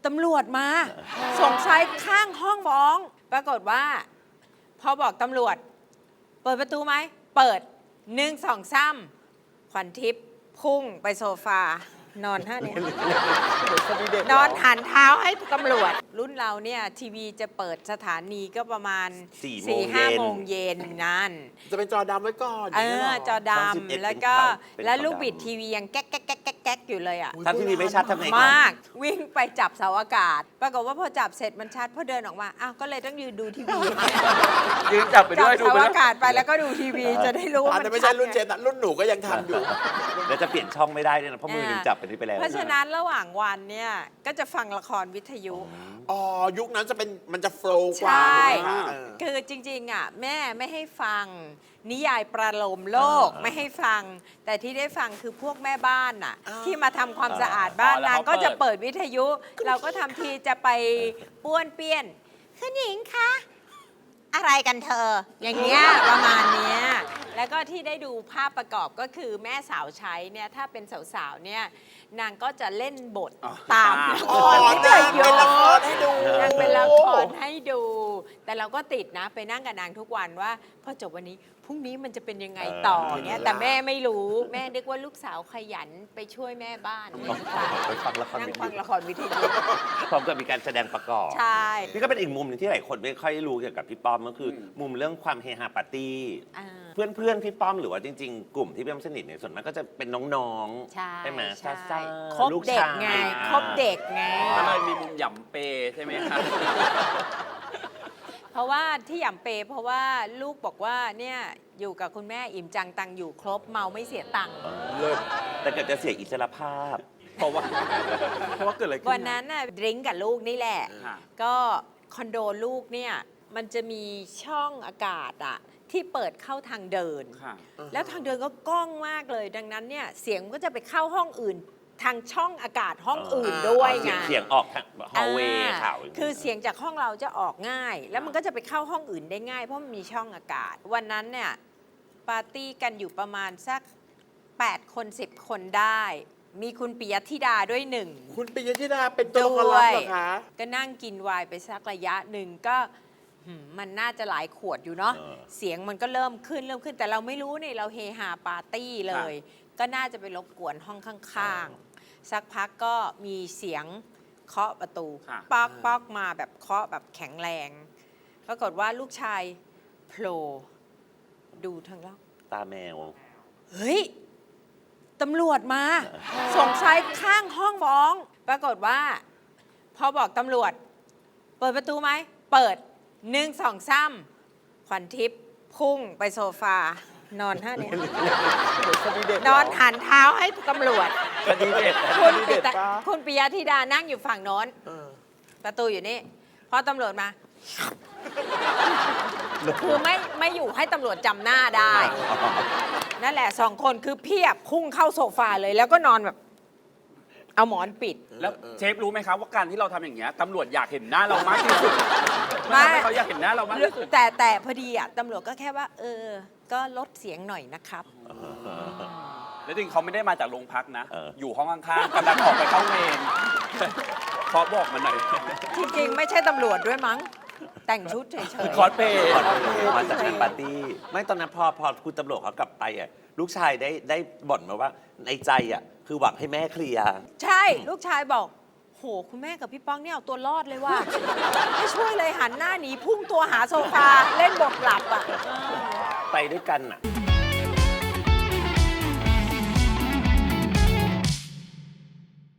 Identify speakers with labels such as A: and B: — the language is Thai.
A: ตำรวจมาส่งชายข้างห้องฟ้อง ปรากฏว่าพอบอกตำรวจเปิดประตูไหมเปิด1 2 3ขวัญทิพย์พุ่งไปโซฟานอนท่านี้นอนหันเท้าให้ตำรวจรุ่นเราเนี่ยทีวีจะเปิดสถานีก็ประมาณ 4-5 โมงเย็นนั่น
B: จะเป็นจอดำไว้ก่อน
A: จอดำแล้วก็แล้วลูกบิดทีวียังแก๊กแก๊กแก๊กแก๊กอยู่เลยอ่ะ
C: ถ้าทีวีไม่ชัดทำไง
A: มากวิ่งไปจับเสาอากาศปรากฏว่าพอจับเสร็จมันชัดพอเดินออกมาอ้าวก็เลยต้องยืนดูทีวี
C: ยืนจับไปด้วย
A: จับเสาอากาศไปแล้วก็ดูทีวีจะได้รู้ว่ามัน
B: ไม่ใช่รุ่นเจนรุ่นหนูก็ยังทำอยู่
C: แล้วจะเปลี่ยนช่องไม่ได้ด้วยนะเพราะมือหนึ่งจับไปนี่ไปแล้ว
A: เพราะฉะนั้นระหว่างวันเนี่ยก็จะฟังละครวิทยุ
B: อ๋อยุคนั้นจะเป็นมันจะโฟล์กว่า
A: ใช่คือจริงๆอ่ะแม่ไม่ให้ฟังนิยายประโลมโลกไม่ให้ฟังแต่ที่ได้ฟังคือพวกแม่บ้านอ่ะที่มาทำความสะอาดบ้านนางก็จะเปิดวิทยุเราก็ทำทีจะไปป้วนเปี้ยนคุณหญิงคะอะไรกันเธออย่างเงี้ยประมาณเนี้ยแล้วก็ที่ได้ดูภาพประกอบก็คือแม่สาวใช้เนี่ยถ้าเป็นสาวๆเนี่ยนางก็จะเล่นบทตามละครที่เธอโยนนางเป็นละครให้ดู แต่เราก็ติดนะไปนั่งกับนางทุกวันว่าพอจบวันนี้พรุ่งนี้มันจะเป็นยังไงต่อเนี่ยแต่แม่ไม่รู้แม่นึกว่าลูกสาวขยันไปช่วยแม่บ้าน
C: ไปฟังละคร
A: นั่งฟังละครวิทยุ
C: พร้อมกับมีการแสดงประกอบ
A: ใช่
C: นี่ก็เป็นอีกมุมหนึ่งที่หลายคนไม่ค่อยรู้เกี่ยวกับพี่ป้อมก็คือมุมเรื่องความเฮฮาปาร์ตี้เพื่อนพี่ป้อมหรือว่าจริงๆกลุ่มที่พี่ป้อมสนิทเนี่ยส่วนมากก็จะเป็นน้องๆใช่ไหมซ่า
A: คบเด็กไงคบเด็กไง
D: ก็เลยมีมุมหย่ำเปใช่ไหมครับ
A: เพราะว่าที่หย่ำเปเพราะว่าลูกบอกว่าเนี่ยอยู่กับคุณแม่อิ่มจังตังอยู่ครบเมาไม่เสียตังค์
C: แต่เกิดจะเสียอิสรภาพ
D: เพราะว่าเกิดอะไรขึ้น
A: วันนั้นน่ะดริ้งกับลูกนี่แหละก็คอนโดลูกเนี่ยมันจะมีช่องอากาศอะที่เปิดเข้าทางเดินแล้วทางเดินก็ก้องมากเลยดังนั้นเนี่ยเสียงก็จะไปเข้าห้องอื่นทางช่องอากาศห้องอื่นด้วยไง
C: เสียงออกทางฮอลเวย์ข่าว
A: คือเสียงจากห้องเราจะออกง่ายแล้วมันก็จะไปเข้าห้องอื่นได้ง่ายเพราะมันมีช่องอากาศวันนั้นเนี่ยปาร์ตี้กันอยู่ประมาณสัก8 คน10 คนได้มีคุณปิยธิดาด้วยหนึ่ง
B: คุณปิยธิดาเป็นตัวละครลับเหรอคะ
A: ก็นั่งกินไวน์ไปสักระยะหนึ่งก็มันน่าจะหลายขวดอยู่เนาะเสียงมันก็เริ่มขึ้นแต่เราไม่รู้นี่เราเฮฮาปาร์ตี้เลยก็น่าจะไปรบกวนห้องข้างๆสักพักก็มีเสียงเคาะประตูป๊อกมาแบบเคาะแบบแข็งแรงปรากฏว่าลูกชายโผล่ดูทางล่าง
C: ตาแมว
A: เฮ้ยตำรวจมาส่งชายข้างห้องฟ้องปรากฏว่าพอบอกตำรวจเปิดประตูไหมเปิด1 2 3ขวัญทิพย์พุ่งไปโซฟานอนท่านี้นอนหันเท้าให้ตำรวจคุณปิยธิดานั่งอยู่ฝั่งโน้นประตูอยู่นี่พอตำรวจมาคือไม่อยู่ให้ตำรวจจำหน้าได้นั่นแหละ2 คนคือเพียบพุ่งเข้าโซฟาเลยแล้วก็นอนแบบเอาหมอนปิด
D: แล้วเชฟรู้ไหมครับว่าการที่เราทำอย่างเงี้ยตำรวจอยากเห็นหน้าเรามากที่สุดไม่เขาอยากเห็นหน้าเรามากที่สุด
A: แต่พอดีอ่ะตำรวจก็แค่ว่าก็ลดเสียงหน่อยนะครับ
D: แล้วจริงเขาไม่ได้มาจากโรงพักนะอยู่ห้องข้างๆกำลังออกไปเข้าเวรเขาบอกมาหน่อย
A: จริงๆไม่ใช่ตำรวจด้วยมั้งแต่งชุดเฉย
D: ๆคอสเพย์
C: มาจากงานปาร์ตี้ไม่ตอนนั้นพอคุณตำรวจเขากลับไปอ่ะลูกชายได้บ่นมาว่าในใจอ่ะคือหวังให้แม่เคลียร์
A: ใช่ลูกชายบอกโหคุณแม่กับพี่ป้องเนี่ยเอาตัวรอดเลยว่าไม่ช่วยเลยหันหน้าหนีพุ่งตัวหาโซฟาเล่นบทหลับอ่ะ
C: ไปด้วยกันอ่ะ